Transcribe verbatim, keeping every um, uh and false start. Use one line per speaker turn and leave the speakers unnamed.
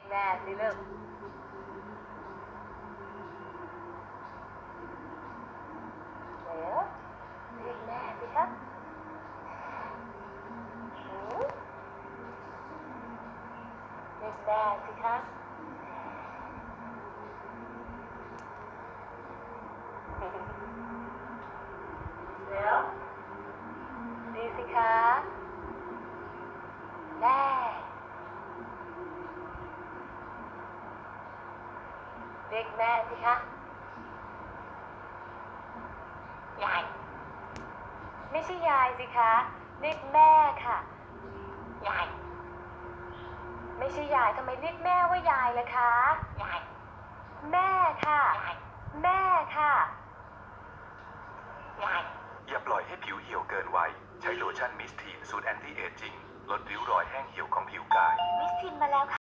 แม่สิลูกเดี๋ยวเรียกแม่สิครับหือเรียกแม่สิครับเดี๋ยวดีสิคะแม่เรียกแม่สิคะยายไม่ใช่ยายสิคะเรียกแม่ค่ะยายไม่ใช่ยายทำไมเรียกแม่ว่ายายล่ะคะยายแม่ค่ะยายแม่ค่ะยาย
อย่าปล่อยให้ผิวเหี่ยวเกินวัยใช้โลชั่นมิสทีนสูตรแอนตี้เอจจิ้งลดริ้วรอยแห้งเหี่ยวของผิวกาย
มิสทินมาแล้วค่ะ